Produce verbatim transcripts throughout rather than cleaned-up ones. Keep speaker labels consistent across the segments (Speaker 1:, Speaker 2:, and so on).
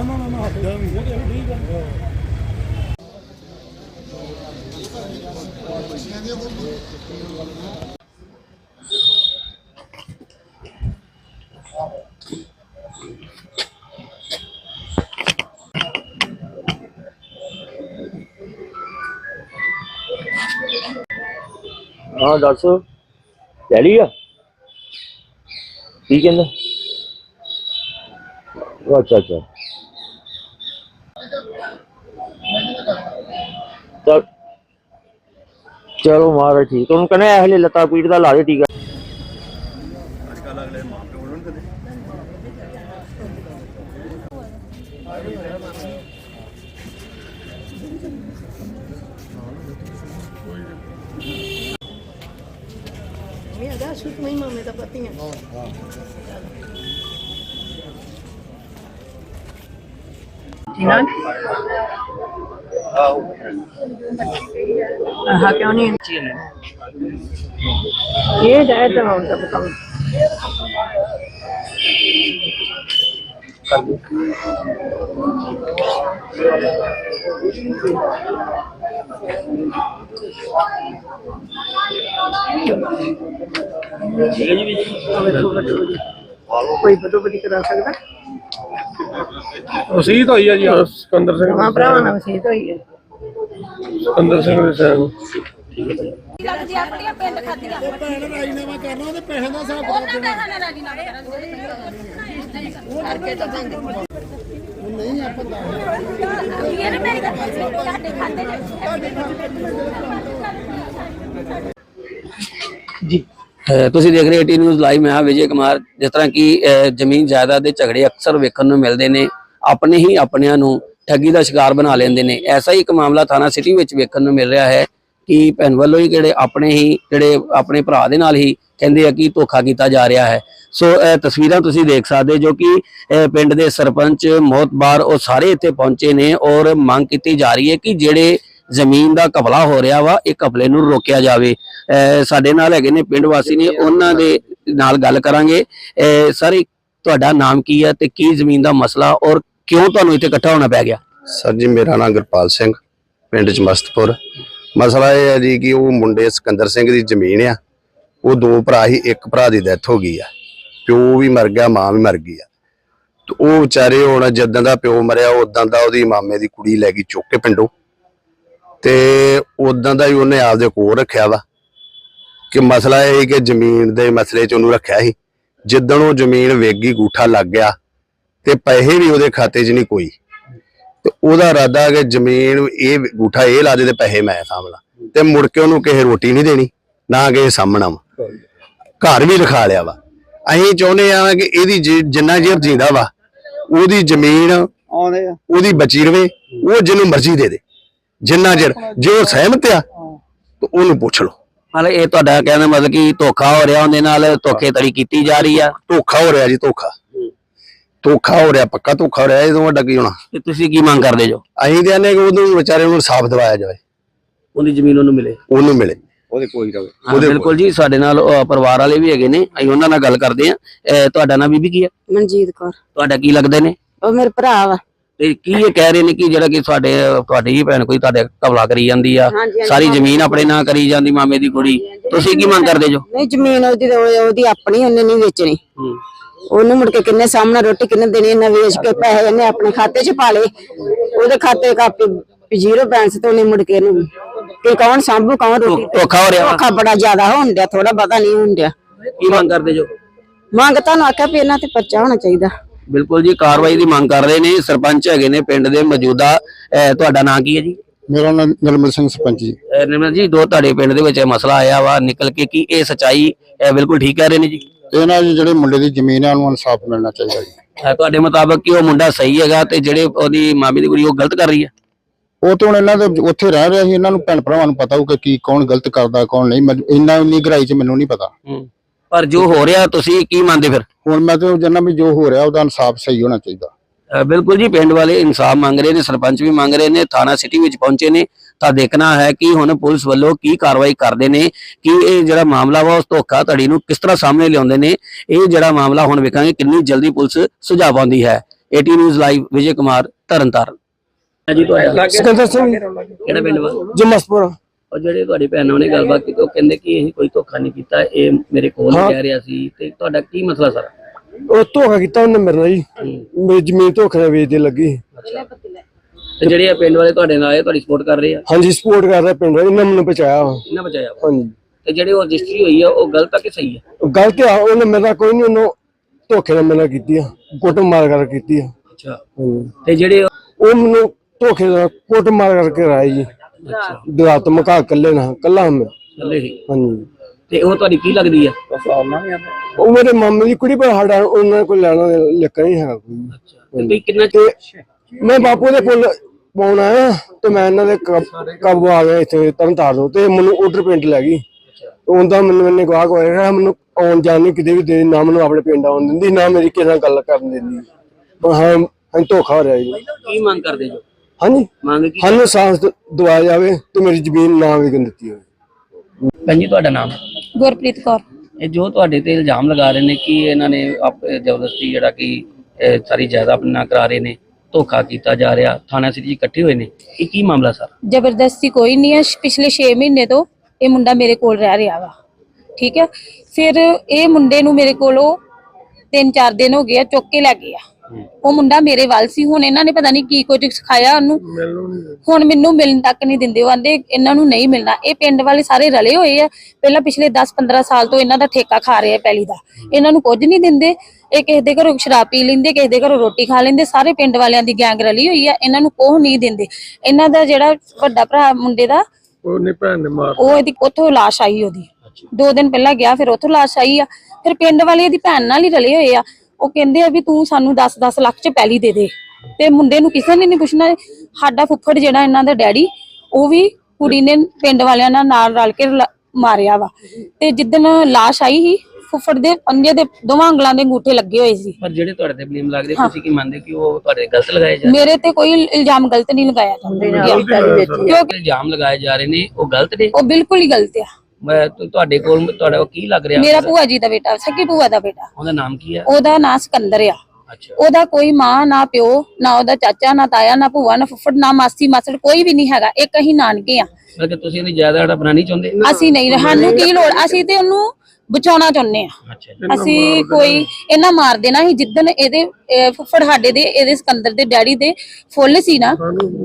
Speaker 1: ਨਾ ਨਾ ਨਾ ਹੱਥਿਆ ਵੀ ਉਹਦੇ ਠੀਕ ਆ।
Speaker 2: हाँ दस ले लिया की कहना। अच्छा अच्छा चल चलो महाराज ठीक तुम कहने ऐसे लत्ता पीड़ का ला दे टीका।
Speaker 3: मामे का पति है हाँ क्यों नहीं ये जाए तो हम सब कम कोई बदोबदी करा सकता
Speaker 1: वसीयत हुई है जी सिकंदर सिंह
Speaker 3: हाँ भरावां नाल वसीयत हुई है
Speaker 1: सिकंदर सिंह दे साहब
Speaker 4: ਲੱਗਦੀ ਆਪਣੀਆਂ ਪਿੰਡ ਖਾਦੀਆਂ ਉਹ ਭੈਣ ਰਾਜੀਨਾਮਾ ਕਰਨਾ ਉਹਦੇ ਪੈਸੇ ਦਾ ਹਿਸਾਬ ਉਹਨਾਂ ਪੈਸਿਆਂ ਨਾਲ ਰਾਜੀਨਾਮਾ ਕਰਾਂਗੇ ਕਰਕੇ ਤਾਂ ਬੰਦ ਨਹੀਂ ਆਪਾਂ ਦੱਸ ਇਹ ਮੇਰੀ ਗੱਲ ਤੁਹਾਡੇ ਖਾਤੇ
Speaker 5: ਜੀ ਤੁਸੀਂ ਦੇਖ ਰਹੇ ਏਟੀ ਨਿਊਜ਼ ਲਾਈਵ। ਮੈਂ ਹਾਂ ਵਿਜੇ ਕੁਮਾਰ। ਜਿਸ ਤਰ੍ਹਾਂ ਕਿ ਜ਼ਮੀਨ ਜਾਇਦਾਦ ਦੇ ਝਗੜੇ ਅਕਸਰ ਵੇਖਣ ਨੂੰ ਮਿਲਦੇ ਨੇ, ਆਪਣੇ ਹੀ ਆਪਣਿਆਂ ਨੂੰ ਠੱਗੀ ਦਾ ਸ਼ਿਕਾਰ ਬਣਾ ਲੈਂਦੇ ਨੇ। ਐਸਾ ਹੀ ਇੱਕ ਮਾਮਲਾ ਥਾਣਾ ਸਿਟੀ ਵਿੱਚ ਵੇਖਣ ਨੂੰ ਮਿਲ ਰਿਹਾ ਹੈ ਕਿ ਭੈਣ ਵੱਲੋਂ ਹੀ ਜਿਹੜੇ ਆਪਣੇ ਹੀ ਜਿਹੜੇ ਆਪਣੇ ਭਰਾ ਦੇ ਨਾਲ ਹੀ ਕਹਿੰਦੇ ਆ ਕਿ ਧੋਖਾ ਕੀਤਾ ਜਾ ਰਿਹਾ ਹੈ। ਸੋ ਇਹ ਤਸਵੀਰਾਂ ਤੁਸੀਂ ਦੇਖ ਸਕਦੇ ਜੋ ਕਿ ਪਿੰਡ ਦੇ ਸਰਪੰਚ ਮੋਹਤਬਾਰ ਉਹ ਸਾਰੇ ਇੱਥੇ ਪਹੁੰਚੇ ਨੇ ਔਰ ਮੰਗ ਕੀਤੀ ਜਾ ਰਹੀ ਹੈ ਕਿ ਜਿਹੜੇ ਜ਼ਮੀਨ ਦਾ ਕਬਲਾ ਹੋ ਰਿਹਾ ਵਾ ਇਹ ਕਬਲੇ ਨੂੰ ਰੋਕਿਆ ਜਾਵੇ। ਸਾਡੇ ਨਾਲ ਹੈਗੇ ਨੇ ਪਿੰਡ ਵਾਸੀ ਨੇ, ਉਹਨਾਂ ਦੇ ਨਾਲ ਗੱਲ ਕਰਾਂਗੇ। ਸਰ ਤੁਹਾਡਾ ਨਾਮ ਕੀ ਹੈ ਤੇ ਕੀ ਜ਼ਮੀਨ ਦਾ ਮਸਲਾ ਔਰ ਕਿਉਂ ਤੁਹਾਨੂੰ ਇੱਥੇ ਇਕੱਠਾ ਹੋਣਾ ਪੈ ਗਿਆ?
Speaker 6: ਸਰ ਜੀ ਮੇਰਾ ਨਾਮ ਗੁਰਪਾਲ ਸਿੰਘ, ਪਿੰਡ ਚ ਮਸਤਪੁਰ। ਮਸਲਾ ਇਹ ਹੈ ਜੀ ਕਿ ਉਹ ਮੁੰਡੇ ਸਿਕੰਦਰ ਸਿੰਘ ਦੀ ਜ਼ਮੀਨ ਆ, ਉਹ ਦੋ ਭਰਾ ਹੀ, ਇੱਕ ਭਰਾ ਦੀ ਡੈਥ ਹੋ ਗਈ ਆ, ਪਿਓ ਵੀ ਮਰ ਗਿਆ, ਮਾਂ ਵੀ ਮਰ ਗਈ ਆ। ਤੇ ਉਹ ਵਿਚਾਰੇ ਹੁਣ ਜਿੱਦਾਂ ਦਾ ਪਿਓ ਮਰਿਆ ਉਦਾਂ ਦਾ ਉਹਦੀ ਮਾਮੇ ਦੀ ਕੁੜੀ ਲੈ ਗਈ ਚੁੱਕ ਕੇ ਪਿੰਡੋਂ, ਤੇ ਉਦਾਂ ਦਾ ਹੀ ਉਹਨੇ ਆਪਦੇ ਕੋਲ ਰੱਖਿਆ ਵਾ। ਕਿ ਮਸਲਾ ਇਹ ਹੈ ਕਿ ਜ਼ਮੀਨ ਦੇ ਮਸਲੇ ਚ ਉਹਨੂੰ ਰੱਖਿਆ ਸੀ। ਜਿੱਦਣ ਉਹ ਜ਼ਮੀਨ ਵੇਗੀ ਗੂਠਾ ਲੱਗ ਗਿਆ ਤੇ ਪੈਸੇ ਵੀ ਉਹਦੇ ਖਾਤੇ ਚ ਨਹੀਂ ਕੋਈ, ਤੇ ਉਹਦਾ ਇਰਾਦਾ ਕਿ ਜ਼ਮੀਨ ਇਹ ਗੂਠਾ ਇਹ ਲਾ ਦੇ ਤੇ ਪੈਸੇ ਮੈਂ ਸਾਂਭਲਾ, ਤੇ ਮੁੜ ਕੇ ਉਹਨੂੰ ਕਿਸੇ ਰੋਟੀ ਨਹੀਂ ਦੇਣੀ ਨਾ ਕਿਸੇ ਸਾਹਮਣਾ ਵਾ। ਘਰ ਵੀ ਲਿਖਾ ਲਿਆ ਵਾ। ਅਸੀਂ ਚਾਹੁੰਦੇ ਆ ਕਿ ਇਹਦੀ ਜਿੰਨਾ ਚਿਰ ਜਿੰਦਾ ਵਾ ਉਹਦੀ ਜ਼ਮੀਨ ਉਹਦੀ ਬਚੀ ਰਵੇ, ਉਹ ਜਿਹਨੂੰ ਮਰਜ਼ੀ ਦੇ ਦੇ ਜਿੰਨਾ ਚਿਰ। ਜੇ ਉਹ ਸਹਿਮਤ ਆ ਤਾਂ ਉਹਨੂੰ ਪੁੱਛ ਲਓ।
Speaker 5: ਮਤਲਬ ਇਹ ਤੁਹਾਡਾ ਕਹਿੰਦਾ ਮਤਲਬ ਕਿ ਧੋਖਾ ਹੋ ਰਿਹਾ, ਉਹਦੇ ਨਾਲ ਧੋਖੇ ਧੜੀ ਕੀਤੀ ਜਾ ਰਹੀ ਆ।
Speaker 6: ਧੋਖਾ ਹੋ ਰਿਹਾ ਜੀ, ਧੋਖਾ ਧੋਖਾ ਹੋ ਰਿਹਾ, ਪੱਕਾ ਧੋਖਾ ਹੋ ਰਿਹਾ। ਇਹ ਤੋਂ ਵੱਡਾ ਕੀ ਹੋਣਾ?
Speaker 5: ਤੇ ਤੁਸੀਂ ਕੀ ਮੰਗ ਕਰਦੇ ਜੋ?
Speaker 6: ਅਸੀਂ ਤੇ ਆਨੇ ਕਿ ਉਹਨੂੰ ਵਿਚਾਰੇ ਨੂੰ ਇਨਸਾਫ ਦਿਵਾਇਆ ਜਾਵੇ,
Speaker 5: ਉਹਦੀ ਜ਼ਮੀਨ ਉਹਨੂੰ ਮਿਲੇ,
Speaker 6: ਉਹਨੂੰ ਮਿਲੇ, ਉਹਦੇ ਕੋਈ ਰਵੇ।
Speaker 5: ਬਿਲਕੁਲ ਜੀ। ਸਾਡੇ ਨਾਲ ਪਰਿਵਾਰ ਵਾਲੇ ਵੀ ਹੈਗੇ ਨੇ, ਅਸੀਂ ਉਹਨਾਂ ਨਾਲ ਗੱਲ ਕਰਦੇ ਆ। ਤੁਹਾਡਾ ਨਾਮ ਬੀਬੀ ਕੀ ਹੈ?
Speaker 3: ਮਨਜੀਤ ਕੌਰ।
Speaker 5: ਤੁਹਾਡਾ ਕੀ ਲੱਗਦੇ ਨੇ?
Speaker 3: ਉਹ ਮੇਰੇ ਭਰਾ ਵਾ।
Speaker 5: ਤੇ ਕੀ ਇਹ ਕਹਿ ਰਹੇ ਨੇ ਕਿ ਜਿਹੜਾ ਕਿ ਤੁਹਾਡੇ ਤੁਹਾਡੀ ਹੀ ਭੈਣ ਕੋਈ ਤੁਹਾਡੇ ਕਬਲਾ ਕਰੀ ਜਾਂਦੀ ਆ, ਸਾਰੀ ਜ਼ਮੀਨ ਆਪਣੇ ਨਾਂ ਕਰੀ ਜਾਂਦੀ, ਮਾਮੇ ਦੀ ਕੁੜੀ। ਤੁਸੀਂ ਕੀ ਮੰਗ ਕਰਦੇ ਜੋ?
Speaker 3: ਨਹੀਂ, ਜ਼ਮੀਨ ਉਹਦੀ ਉਹਦੀ ਆਪਣੀ, ਉਹਨੇ ਨਹੀਂ ਵੇਚਣੀ। ਉਹਨੂੰ ਮੁੜ ਕੇ ਕਿੰਨੇ ਸਾਹਮਣੇ ਰੋਟੀ ਕਿੰਨੇ ਦੇਣੀ, ਇਹਨਾਂ ਵੇਚ ਕੇ ਪੈਸੇ ਇਹਨੇ ਆਪਣੇ ਖਾਤੇ ਚ ਪਾ ਲਏ। ਉਹਦੇ ਖਾਤੇ ਕਾਪੀ ਜ਼ੀਰੋ ਬੈਲੈਂਸ ਤੇ ਉਹਨੇ ਮੁੜ ਕੇ ਇਹਨੂੰ ਤੇ ਕੌਣ ਸਾਂਭੂ, ਕੌਣ ਰੋਟੀ?
Speaker 5: ਧੋਖਾ ਹੋ ਰਿਹਾ,
Speaker 3: ਧੋਖਾ ਬੜਾ ਜ਼ਿਆਦਾ ਹੋਣ ਡਿਆ, ਥੋੜਾ ਪਤਾ ਨਹੀਂ ਹੋਣ ਡਿਆ।
Speaker 5: ਕੀ ਮੰਗ ਕਰਦੇ ਜੋ?
Speaker 3: ਮੰਗ ਤੁਹਾਨੂੰ ਆਖਿਆ ਵੀ ਇਹਨਾਂ ਤੇ ਪਰਚਾ ਹੋਣਾ ਚਾਹੀਦਾ।
Speaker 5: ਬਿਲਕੁਲ ਜੀ, ਕਾਰਵਾਈ ਦੀ ਮੰਗ ਕਰ ਰਹੇ ਨੇ। ਸਰਪੰਚ ਹੈਗੇ ਨੇ ਪਿੰਡ ਦੇ ਮੌਜੂਦਾ। ਤੁਹਾਡਾ ਨਾਂ ਕੀ ਹੈ ਜੀ?
Speaker 7: ਮੇਰਾ ਨਾਮ ਨਿਰਮਲ ਸਿੰਘ ਸਰਪੰਚ ਜੀ।
Speaker 5: ਨਿਰਮਲ ਜੀ, ਦੋ ਤੁਹਾਡੇ ਪਿੰਡ ਦੇ ਵਿੱਚ ਮਸਲਾ ਆਇਆ ਵਾ ਨਿਕਲ ਕੇ, ਕੀ ਇਹ ਸੱਚਾਈ ਬਿਲਕੁਲ ਠੀਕ ਕਹਿ ਰਹੇ ਨੇ ਜੀ?
Speaker 7: ਇਹਨਾਂ ਜੀ ਜਿਹੜੇ ਮੁੰਡੇ ਦੀ ਜ਼ਮੀਨ ਹੈ ਉਹਨੂੰ ਇਨਸਾਫ ਮਿਲਣਾ ਚਾਹੀਦਾ ਜੀ।
Speaker 5: ਤੁਹਾਡੇ ਮੁਤਾਬਕ ਕਿ ਉਹ ਮੁੰਡਾ ਸਹੀ ਹੈਗਾ ਤੇ ਜਿਹੜੇ ਉਹਦੀ ਮਾਮੀ ਦੀ ਕੁੜੀ ਉਹ ਗਲਤ ਕਰ ਰਹੀ ਹੈ?
Speaker 7: ਉਹ ਤੇ ਹੁਣ ਇਹਨਾਂ ਦੇ ਉੱਥੇ ਰਹਿ ਰਿਹਾ ਸੀ, ਇਹਨਾਂ ਨੂੰ ਭੈਣ ਭਰਾਵਾਂ ਨੂੰ ਪਤਾ ਹੋਊ ਕਿ ਕੀ ਕੌਣ ਗਲਤ ਕਰਦਾ ਕੌਣ ਨਹੀਂ। ਇੰਨਾ ਇੰਨੀ ਗਹਿਰਾਈ ਚ ਮੈਨੂੰ ਨਹੀਂ ਪਤਾ,
Speaker 5: ਪਰ ਜੋ ਹੋ ਰਿਹਾ ਤੁਸੀਂ ਕੀ ਮੰਨਦੇ ਫਿਰ?
Speaker 7: ਹੁਣ ਮੈਂ ਤੇ ਜੰਨਾ ਵੀ ਜੋ ਹੋ ਰਿਹਾ ਉਹਦਾ ਇਨਸਾਫ ਸਹੀ ਹੋਣਾ ਚਾਹੀਦਾ।
Speaker 5: ਬਿਲਕੁਲ ਜੀ, ਪਿੰਡ ਵਾਲੇ ਇਨਸਾਫ ਮੰਗ ਰਹੇ ਨੇ, ਸਰਪੰਚ ਵੀ ਮੰਗ ਰਹੇ ਨੇ, ਥਾਣਾ ਸਿਟੀ ਵਿੱਚ ਪਹੁੰਚੇ ਨੇ। ਤਾਂ ਦੇਖਣਾ ਹੈ ਕਿ ਹੁਣ ਪੁਲਿਸ ਵੱਲੋਂ ਕੀ ਕਾਰਵਾਈ ਕਰਦੇ ਨੇ, ਕਿ ਇਹ ਜਿਹੜਾ ਮਾਮਲਾ ਵਾ ਉਸ ਧੋਖਾ ਧੜੀ ਨੂੰ ਕਿਸ ਤਰ੍ਹਾਂ ਸਾਹਮਣੇ ਲਿਆਉਂਦੇ ਨੇ। ਇਹ ਜਿਹੜਾ ਮਾਮਲਾ ਹੁਣ ਵੇਖਾਂਗੇ ਕਿੰਨੀ ਜਲਦੀ ਪੁਲਿਸ ਸੁਝਾਅ ਪਾਉਂਦੀ ਹੈ। AT news live Vijay Kumar Tarn Taran. ਜੀ ਤੁਹਾਡਾ
Speaker 1: ਸਿਕੰਦਰ ਸਿੰਘ
Speaker 5: ਕਿਹੜਾ ਪਿੰਡ ਵਾ?
Speaker 1: ਜਮਸਪੁਰ।
Speaker 5: ਉਹ ਜਿਹੜੇ ਤੁਹਾਡੀ ਭੈਣ ਨਾਲ ਉਹਨੇ ਗੱਲਬਾਤ ਕੀਤੀ ਉਹ ਕਹਿੰਦੇ ਕਿ ਅਸੀਂ ਕੋਈ ਧੋਖਾ ਨਹੀਂ ਕੀਤਾ, ਇਹ ਮੇਰੇ ਕੋਲ ਹੀ ਕਹਿ ਰਿਹਾ ਸੀ, ਤੇ ਤੁਹਾਡਾ ਕੀ ਮਸਲਾ ਸਰ?
Speaker 1: ਉਹ ਧੋਖਾ ਕੀਤਾ ਉਹਨੇ ਮੇਰੇ ਨਾਲ ਜੀ, ਮੇਰੀ ਜ਼ਮੀਨ ਧੋਖੇ ਨਾਲ ਵੇਚਦੇ ਲੱਗੀ।
Speaker 5: ਤੇ ਜਿਹੜੇ ਇਹ ਪਿੰਡ ਵਾਲੇ ਤੁਹਾਡੇ ਨਾਲ ਆਏ ਤੁਹਾਡੀ ਸਪੋਰਟ ਕਰ ਰਹੇ ਆ?
Speaker 1: ਹਾਂਜੀ ਸਪੋਰਟ ਕਰ ਰਿਹਾ ਪਿੰਡ ਵਾਲੇ, ਇਹਨਾਂ ਮੈਨੂੰ ਬਚਾਇਆ ਵਾ।
Speaker 5: ਇਹਨਾਂ ਬਚਾਇਆ ਵਾ।
Speaker 1: ਹਾਂਜੀ।
Speaker 5: ਤੇ ਜਿਹੜੇ ਉਹ ਰਜਿਸਟਰੀ ਹੋਈ ਆ ਉਹ ਗਲਤ ਆ ਕਿ ਸਹੀ ਆ?
Speaker 1: ਗਲਤ ਆ, ਉਹਨੇ ਮੇਰਾ ਕੋਈ ਨਹੀਂ, ਉਹਨੂੰ ਧੋਖੇ ਨਾਲ ਮੇਰੇ ਨਾਲ ਕੀਤੀ ਆ, ਕੁੱਟ ਮਾਰ ਕਰ ਕੀਤੀ ਆ।
Speaker 5: ਅੱਛਾ।
Speaker 1: ਹਾਂਜੀ।
Speaker 5: ਤੇ ਜਿਹੜੇ
Speaker 1: ਉਹ ਮੈਨੂੰ ਧੋਖੇ ਨਾਲ ਕੁੱਟ ਮਾਰ ਕਰਕੇ ਰਾਏ ਜੀ।
Speaker 5: ਅੱਛਾ
Speaker 1: ਦਰਾਤ ਮਕਾ ਕੱਲੇ ਨਾ ਕੱਲਾ ਮੈਂ।
Speaker 5: ਚੱਲੇ ਸੀ।
Speaker 1: ਹਾਂਜੀ।
Speaker 5: ਤੇ ਉਹ ਤੁਹਾਡੀ ਕੀ ਲੱਗਦੀ ਆ?
Speaker 1: ਉਹ ਮੇਰੇ ਮਾਮੇ ਦੀ ਕੁੜੀ, ਪਰ ਸਾਡਾ ਉਹਨਾਂ ਕੋਲ ਲੈਣਾ ਲਿਖਾ ਨਹੀਂ ਹੈਗਾ ਕੋਈ।
Speaker 5: ਅੱਛਾ। ਤੇ ਤੁਸੀਂ ਕਿੰਨਾ
Speaker 1: ਤੇ ਮੈਂ ਬਾਪੂ ਦੇ ਪੁੱਲ ਪਾਉਣ ਆਇਆ ਤੇ ਮੈਂ ਇਹਨਾਂ ਦੇ ਕਾਬੂ ਆ ਗਿਆ ਇੱਥੇ ਤਰਨਤਾਰਨ ਤੋਂ, ਤੇ ਮੈਨੂੰ ਉਧਰ ਪਿੰਡ ਲੈ ਗਈ। ਉਹਦਾ ਮੈਨੂੰ ਇਹਨੇ ਗਵਾਹ ਹੋਇਆ, ਮੈਨੂੰ ਆਉਣ ਜਾਣ ਨਹੀਂ ਕਿਤੇ ਵੀ ਦੇ, ਨਾ ਮੈਨੂੰ ਆਪਣੇ ਪਿੰਡ ਆਉਣ ਦਿੰਦੀ, ਨਾ ਮੇਰੀ ਕਿਸੇ ਨਾਲ ਗੱਲ ਕਰਨ ਦਿੰਦੀ। ਹਾਂ ਹਾਂ ਧੋਖਾ ਹੋ ਰਿਹਾ ਜੀ।
Speaker 5: ਕੀ ਮੰਗ ਕਰਦੇ ਜੋ?
Speaker 1: ਹਾਂਜੀ
Speaker 5: ਮੰਗ ਕੀ?
Speaker 1: ਸਾਨੂੰ ਸਾਂਸ ਦਵਾਇਆ ਜਾਵੇ ਤੇ ਮੇਰੀ ਜ਼ਮੀਨ ਨਾ ਵਿਕਣ ਦਿੱਤੀ ਹੋਵੇ।
Speaker 5: ਭੈਣ ਜੀ ਤੁਹਾਡਾ ਨਾਮ?
Speaker 4: ਗੁਰਪ੍ਰੀਤ ਕੌਰ।
Speaker 5: ਇਹ ਜੋ ਤੁਹਾਡੇ ਤੇ ਇਲਜ਼ਾਮ ਲਗਾ ਰਹੇ ਨੇ ਕਿ ਇਹਨਾਂ ਨੇ ਆਪ ਜ਼ਬਰਦਸਤੀ ਜਿਹੜਾ ਕਿ ਇਹ ਸਾਰੀ ਜਾਇਦਾਦ ਆਪਣੇ ਨਾਲ ਕਰਾ ਰਹੇ ਨੇ, ਧੋਖਾ ਕੀਤਾ ਜਾ ਰਿਹਾ, ਥਾਣਾ ਸਿਟੀ ਇਕੱਠੇ ਹੋਏ ਨੇ, ਇਹ ਕੀ ਮਾਮਲਾ ਸਰ?
Speaker 4: ਜ਼ਬਰਦਸਤੀ ਕੋਈ ਨਹੀਂ ਹੈ। ਪਿਛਲੇ ਛੇ ਮਹੀਨੇ ਤੋਂ ਇਹ ਮੁੰਡਾ ਮੇਰੇ ਕੋਲ ਰਹਿ ਰਿਹਾ ਵਾ, ਠੀਕ ਹੈ। ਫਿਰ ਇਹ ਮੁੰਡੇ ਨੂੰ ਮੇਰੇ ਕੋਲੋਂ ਤਿੰਨ ਚਾਰ ਦਿਨ ਹੋ ਗਏ ਆ, ਚੁੱਕ ਕੇ ਲੈ ਗਏ ਆ। ਉਹ ਮੁੰਡਾ ਮੇਰੇ ਵੱਲ ਸੀ, ਹੁਣ ਇਹਨਾਂ ਨੇ ਪਤਾ ਨਹੀਂ ਕੀ ਕੁਝ ਸਿਖਾਇਆ ਉਹਨੂੰ, ਹੁਣ ਮੈਨੂੰ ਮਿਲਣ ਤੱਕ ਨਹੀਂ ਦਿੰਦੇ। ਉਹ ਆਂਦੇ ਇਹਨਾਂ ਨੂੰ ਨਹੀਂ ਮਿਲਣਾ। ਇਹ ਪਿੰਡ ਵਾਲੇ ਸਾਰੇ ਰਲੇ ਹੋਏ ਆ, ਪਹਿਲਾਂ ਪਿਛਲੇ ਦਸ ਪੰਦਰਾਂ ਸਾਲ ਤੋਂ ਇਹਨਾਂ ਦਾ ਠੇਕਾ ਖਾ ਰਹੇ ਆ ਪੈਲੀ ਦਾ, ਇਹਨਾਂ ਨੂੰ ਕੁਝ ਨਹੀਂ ਦਿੰਦੇ। ਇਹ ਕਿਸੇ ਦੇ ਘਰੋਂ ਸ਼ਰਾਬ ਪੀ ਲੈਂਦੇ, ਕਿਸੇ ਦੇ ਘਰੋਂ ਰੋਟੀ ਖਾ ਲੈਂਦੇ, ਸਾਰੇ ਪਿੰਡ ਵਾਲਿਆਂ ਦੀ ਗੈਂਗ ਰਲੀ ਹੋਈ ਆ, ਇਹਨਾਂ ਨੂੰ ਕੋਹ ਨਹੀਂ ਦਿੰਦੇ। ਇਹਨਾਂ ਦਾ ਜਿਹੜਾ ਵੱਡਾ ਭਰਾ ਮੁੰਡੇ ਦਾ,
Speaker 1: ਉਹਨੇ ਭੈਣ ਨੇ ਮਾਰ
Speaker 4: ਉਹ ਇਹਦੀ ਉੱਥੋਂ ਲਾਸ਼ ਆਈ, ਉਹਦੀ ਦੋ ਦਿਨ ਪਹਿਲਾਂ ਗਿਆ, ਫਿਰ ਉੱਥੋਂ ਲਾਸ਼ ਆਈ ਆ। ਫਿਰ ਪਿੰਡ ਵਾਲੇ ਇਹਦੀ ਭੈਣ ਨਾਲ ਹੀ ਰਲੇ ਹੋਏ ਆ, ਉਹ ਕਹਿੰਦੇ ਆ ਵੀ ਤੂੰ ਸਾਨੂੰ ਦਸ ਦਸ ਲੱਖ ਚ ਪੈਲੀ ਦੇ ਦੇ, ਤੇ ਮੁੰਡੇ ਨੂੰ ਕਿਸੇ ਨੇ ਨਹੀਂ ਪੁੱਛਣਾ। ਸਾਡਾ ਫੁੱਫੜ ਜਿਹੜਾ ਇਹਨਾਂ ਦਾ ਡੈਡੀ, ਉਹ ਵੀ ਕੁੜੀ ਨੇ ਪਿੰਡ ਵਾਲਿਆਂ ਨਾਲ ਨਾਲ ਰਲ ਕੇ ਮਾਰਿਆ ਵਾ। ਤੇ ਜਿੱਦਣ ਲਾਸ਼ ਆਈ ਸੀ, ਫੁੱਫੜ ਦੇ ਪੰਜੇ ਦੇ ਦੋਵਾਂ ਉਂਗਲਾਂ ਦੇ ਅੰਗੂਠੇ ਲੱਗੇ ਹੋਏ ਸੀ।
Speaker 5: ਪਰ ਜਿਹੜੇ ਤੁਹਾਡੇ ਤੇ ਬਲੇਮ ਲੱਗਦੇ, ਤੁਸੀਂ ਕੀ ਮੰਨਦੇ ਕਿ ਉਹ ਤੁਹਾਡੇ ਗਲਤ ਲਗਾਏ ਜਾ ਰਹੇ?
Speaker 4: ਮੇਰੇ ਤੇ ਕੋਈ ਇਲਜ਼ਾਮ ਗਲਤ ਨਹੀਂ ਲਗਾਇਆ ਜਾਂਦਾ, ਕਿਉਂਕਿ
Speaker 5: ਇਲਜ਼ਾਮ ਲਗਾਏ ਜਾ ਰਹੇ ਨੇ ਉਹ ਗਲਤ ਨੇ।
Speaker 4: ਉਹ ਬਿਲਕੁਲ ਹੀ ਗਲਤ ਆ।
Speaker 5: ਮੈਂ ਤੁਹਾਡੇ ਕੋਲ ਤੁਹਾਡਾ ਉਹ ਕੀ ਲੱਗ ਰਿਹਾ?
Speaker 4: ਮੇਰਾ ਭੂਆ ਜੀ ਦਾ ਬੇਟਾ, ਸੱਗੀ ਭੂਆ ਦਾ ਬੇਟਾ।
Speaker 5: ਉਹਦਾ ਨਾਮ ਕੀ ਹੈ?
Speaker 4: ਉਹਦਾ ਨਾਂ ਸਿਕੰਦਰ ਆ।
Speaker 5: ਅੱਛਾ।
Speaker 4: ਉਹਦਾ ਕੋਈ ਮਾਂ ਨਾ ਪਿਓ, ਨਾ ਉਹਦਾ ਚਾਚਾ, ਨਾ ਤਾਇਆ, ਨਾ ਭੂਆ, ਨਾ ਫੁੱਫੜ, ਨਾ ਮਾਸੀ ਮਾਸੜ, ਕੋਈ ਵੀ ਨਹੀਂ ਹੈਗਾ। ਇੱਕ ਅਸੀਂ ਨਾਨਕੇ ਆ।
Speaker 5: ਮਤਲਬ ਤੁਸੀਂ ਇਹਦੀ ਜਾਇਦਾਦ ਆਪਣਾ ਨਹੀਂ ਚਾਹੁੰਦੇ?
Speaker 4: ਅਸੀਂ ਨਹੀਂ, ਸਾਨੂੰ ਕੀ ਲੋੜ, ਅਸੀਂ ਤੇ ਉਹਨੂੰ ਬਚਾਉਣਾ ਚਾਹੁੰਦੇ ਆ।
Speaker 5: ਅੱਛਾ।
Speaker 4: ਅਸੀਂ ਕੋਈ ਇਹਨਾਂ ਮਾਰ ਦੇਣਾ ਸੀ। ਜਿੱਦਣ ਇਹਦੇ ਅਹ ਫੁੱਫੜ ਸਾਡੇ ਦੇ, ਇਹਦੇ ਸਿਕੰਦਰ ਦੇ ਡੈਡੀ ਦੇ ਫੁੱਲ ਸੀ ਨਾ,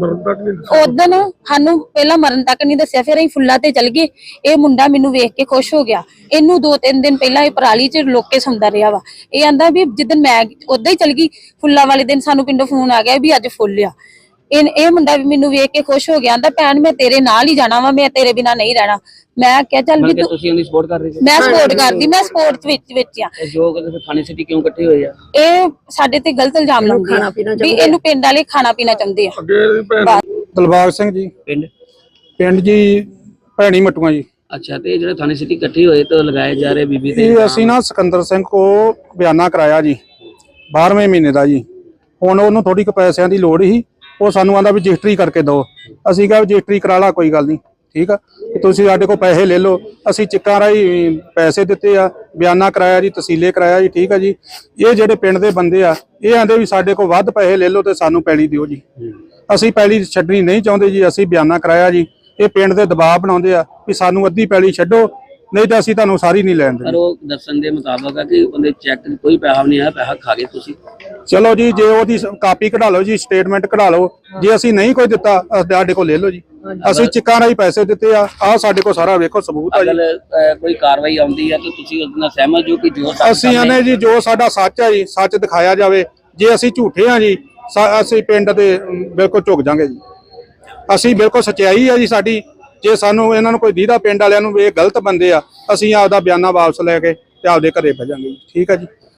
Speaker 4: ਉਦਣ ਸਾਨੂੰ ਪਹਿਲਾਂ ਮਰਨ ਤੱਕ ਨਹੀਂ ਦੱਸਿਆ। ਫਿਰ ਅਸੀਂ ਫੁੱਲਾਂ ਤੇ ਚਲ ਗਏ। ਇਹ ਮੁੰਡਾ ਮੈਨੂੰ ਵੇਖ ਕੇ ਖੁਸ਼ ਹੋ ਗਿਆ। ਇਹਨੂੰ ਦੋ ਤਿੰਨ ਦਿਨ ਪਹਿਲਾਂ ਇਹ ਪਰਾਲੀ ਚ ਲੋਕੇ ਸੌਂਦਾ ਰਿਹਾ ਵਾ। ਇਹ ਆਂਦਾ ਵੀ ਜਿੱਦਣ ਮੈਂ ਉਦਾਂ ਹੀ ਚਲ ਗਈ, ਫੁੱਲਾਂ ਵਾਲੇ ਦਿਨ ਸਾਨੂੰ ਪਿੰਡੋਂ ਫੋਨ ਆ ਗਿਆ ਵੀ ਅੱਜ ਫੁੱਲ ਆ। ਇਹ ਇਹ ਮੁੰਡਾ ਵੀ ਮੈਨੂੰ ਵੇਖ ਕੇ ਖੁਸ਼ ਹੋ ਗਿਆ, ਆਂਦਾ ਭੈਣ ਮੈਂ ਤੇਰੇ ਨਾਲ ਹੀ ਜਾਣਾ ਵਾ, ਮੈਂ ਤੇਰੇ ਬਿਨਾ ਨਹੀਂ ਰਹਿਣਾ। ਮੈਂ ਕਿਹਾ ਚੱਲ ਵੀ ਤੂੰ,
Speaker 5: ਤੁਸੀਂ ਉਹਦੀ ਸਪੋਰਟ ਕਰ ਰਹੇ ਹੋ?
Speaker 4: ਮੈਂ ਸਪੋਰਟ ਕਰਦੀ, ਮੈਂ ਸਪੋਰਟ ਵਿੱਚ ਵਿੱਚ ਆ।
Speaker 5: ਜੋ ਕਹਿੰਦੇ ਫਿਰ ਥਾਣੇ ਸਿਟੀ ਕਿਉਂ ਇਕੱਠੇ ਹੋਏ ਆ?
Speaker 4: ਇਹ ਸਾਡੇ ਤੇ ਗਲਤ ਇਲਜ਼ਾਮ ਲਾਉਂਦੇ ਆ ਵੀ ਇਹਨੂੰ ਪਿੰਡ ਵਾਲੇ ਖਾਣਾ ਪੀਣਾ ਚਾਹੁੰਦੇ ਆ।
Speaker 7: ਦਿਲਬਾਗ ਸਿੰਘ ਜੀ,
Speaker 5: ਪਿੰਡ
Speaker 7: ਪਿੰਡ ਜੀ ਭੈਣੀ ਮਟੂਆਂ ਜੀ।
Speaker 5: ਅੱਛਾ। ਤੇ ਜਿਹੜੇ ਥਾਣੇ ਸਿਟੀ ਇਕੱਠੇ ਹੋਏ ਤਾਂ ਲਗਾਏ ਜਾ ਰਹੇ ਬੀਬੀ ਤੇ
Speaker 7: ਇਹ ਅਸੀਂ ਨਾ ਸਿਕੰਦਰ ਸਿੰਘ ਕੋ ਬਿਆਨਾ ਕਰਾਇਆ ਜੀ ਬਾਰਵੇਂ ਮਹੀਨੇ ਦਾ ਜੀ। ਹੁਣ ਉਹਨੂੰ ਥੋੜੀ ਕੁ ਪੈਸਿਆਂ ਦੀ ਲੋੜ ਸੀ, ਉਹ ਸਾਨੂੰ ਆਂਦਾ ਵੀ ਰਜਿਸਟਰੀ ਕਰਕੇ ਦਿਓ। ਅਸੀਂ ਕਿਹਾ ਰਜਿਸਟਰੀ ਕਰਾ ਲਾ, ਕੋਈ ਗੱਲ ਨਹੀਂ, ਠੀਕ ਆ, ਤੁਸੀਂ ਸਾਡੇ ਕੋਲ ਪੈਸੇ ਲੈ ਲਓ। ਅਸੀਂ ਚਿੱਕਾਂ ਰਾਹੀਂ ਪੈਸੇ ਦਿੱਤੇ ਆ, ਬਿਆਨਾ ਕਰਾਇਆ ਜੀ, ਤਸੀਲੇ ਕਰਾਇਆ ਜੀ, ਠੀਕ ਆ ਜੀ। ਇਹ ਜਿਹੜੇ ਪਿੰਡ ਦੇ ਬੰਦੇ ਆ, ਇਹ ਆਂਦੇ ਵੀ ਸਾਡੇ ਕੋਲ ਵੱਧ ਪੈਸੇ ਲੈ ਲਓ ਤੇ ਸਾਨੂੰ ਪੈਲੀ ਦਿਓ ਜੀ। ਅਸੀਂ ਪੈਲੀ ਛੱਡਣੀ ਨਹੀਂ ਚਾਹੁੰਦੇ ਜੀ। ਅਸੀਂ ਬਿਆਨਾ ਕਰਾਇਆ ਜੀ। ਇਹ ਪਿੰਡ ਦੇ ਦਬਾਅ ਬਣਾਉਂਦੇ ਆ ਵੀ ਸਾਨੂੰ ਅੱਧੀ ਪੈਲੀ ਛੱਡੋ, ਨਹੀਂ ਤਾਂ ਅਸੀਂ ਤੁਹਾਨੂੰ ਸਾਰੀ ਨਹੀਂ ਲੈਣ
Speaker 5: ਪਰ
Speaker 7: ਦੇਣੀ।
Speaker 5: ਉਹ ਦੱਸਣ ਦੇ ਮੁਤਾਬਕ ਆ ਕਿ ਉਹਦੇ ਚੈੱਕ ਕੋਈ ਪੈਸਾ ਨਹੀਂ ਆਇਆ, ਪੈਸਾ ਖਾ ਗਏ ਤੁਸੀਂ।
Speaker 7: ਚਲੋ ਜੀ, ਜੇ ਉਹਦੀ ਕਾਪੀ ਕਢਾ ਲਓ ਜੀ, ਸਟੇਟਮੈਂਟ ਕਢਾ ਲਓ। ਜੇ ਅਸੀਂ ਨਹੀਂ ਕੋਈ ਦਿੱਤਾ, ਸਾਡੇ ਕੋਲ ਲੈ ਲਓ ਜੀ। ਅਸੀਂ ਚਿੱਕਾਂ ਰਾਹੀਂ ਪੈਸੇ ਦਿੱਤੇ ਆ, ਆਹ ਸਾਡੇ ਕੋਲ ਸਾਰਾ ਵੇਖੋ ਸਬੂਤ ਆ ਜੀ।
Speaker 5: ਅਗਰ ਅਹ, ਕੋਈ ਕਾਰਵਾਈ ਆਉਂਦੀ ਹੈ ਤਾਂ ਤੁਸੀਂ ਉਹਦੇ ਨਾਲ ਸਹਿਮਤ ਹੋ ਕਿ ਜੋ ਸਾਡੇ
Speaker 7: ਅਸੀਂ
Speaker 5: ਸਾਹਮਣੇ-
Speaker 7: ਆਨੇ ਜੀ ਜੋ ਸਾਡਾ ਸੱਚ ਹੈ ਜੀ, ਸੱਚ ਦਿਖਾਇਆ ਜਾਵੇ। ਜੇ ਅਸੀਂ ਝੂਠੇ ਆ ਜੀ, ਸਾ- ਅਸੀਂ ਪਿੰਡ ਦੇ ਅਮ, ਬਿਲਕੁਲ ਝੁਕ ਜਾਾਂਗੇ ਜੀ। ਅਸੀਂ ਬਿਲਕੁਲ ਸੱਚਾਈ ਆ ਜੀ ਸਾਡੀ। ਜੇ ਸਾਨੂੰ ਇਹਨਾਂ ਨੂੰ ਕੋਈ ਦੀਦਾ ਪਿੰਡ ਵਾਲਿਆਂ ਨੂੰ ਇਹ ਗਲਤ ਬੰਦੇ ਆ, ਅਸੀਂ ਆਪਦਾ ਬਿਆਨਾ ਵਾਪਸ ਲੈ ਕੇ ਤੇ ਆਪਦੇ ਘਰੇ ਭਜਾਂਗੇ ਜੀ, ਠੀਕ ਆ ਜੀ।